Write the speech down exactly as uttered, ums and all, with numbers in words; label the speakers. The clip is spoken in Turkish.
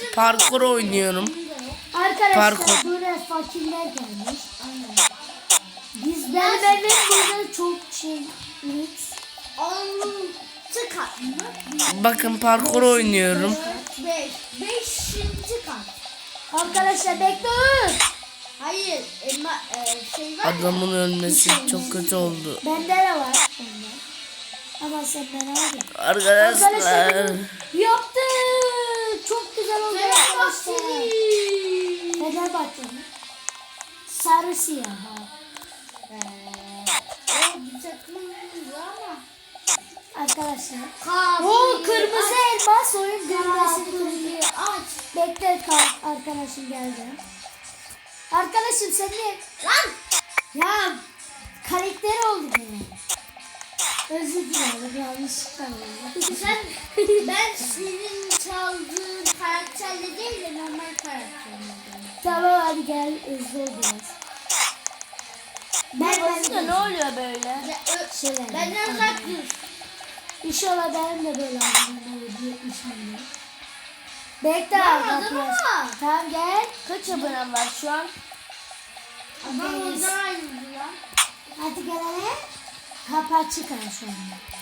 Speaker 1: parkur oynuyorum.
Speaker 2: Arkadaşlar
Speaker 1: Parkur.
Speaker 2: buraya fakirler gelmiş. Aynen. Biz ben benim burada çok şey lüks.
Speaker 3: Altı kat mı?
Speaker 1: Bakın parkur oynuyorum.
Speaker 3: Beş. Beşinci kat.
Speaker 2: Arkadaşlar bekleyin.
Speaker 3: Hayır. Elma, e, şey var ya.
Speaker 1: Adamın ölmesi çok kötü oldu.
Speaker 2: Bende de var. Bende. Ama sen bana hadi.
Speaker 1: Arkadaşlar.
Speaker 2: Yaptı. Çok güzel oldu arkadaşlar.
Speaker 3: Fenerbahçeli.
Speaker 2: Fenerbahçe mi? Sarı siyah. Ha.
Speaker 3: Ee, o bir takımımız ama.
Speaker 2: Arkadaşlar.
Speaker 3: Kahve.
Speaker 2: O kırmızı elmas oyun düğmesini
Speaker 3: Kahveyi
Speaker 2: kırıyor.
Speaker 3: aç.
Speaker 2: Bekle kal arkadaşım geldi. Arkadaşım sen de
Speaker 3: Lan.
Speaker 2: ya karakter oldu benim. Özür dilerim yanlışlıkla oldu.
Speaker 3: Sen ben senin çaldığın karakterle değil de normal karakterle.
Speaker 2: Tamam hadi gel hızlı ol biraz. Ben ben
Speaker 4: Ne oluyor böyle?
Speaker 3: Ya, ö-
Speaker 2: Şöyle.
Speaker 3: Benden uzak dur.
Speaker 2: İnşallah benim de böyle aldım. yetmiş milyon. Bekle
Speaker 3: Yapmadın
Speaker 2: arkadaşlar.
Speaker 3: ama.
Speaker 2: Tamam gel.
Speaker 4: Kaç abonem var şu an?
Speaker 3: Adam oradan ayrıldı lan.
Speaker 2: Hadi gel hele. Kapı açık ha şu anda.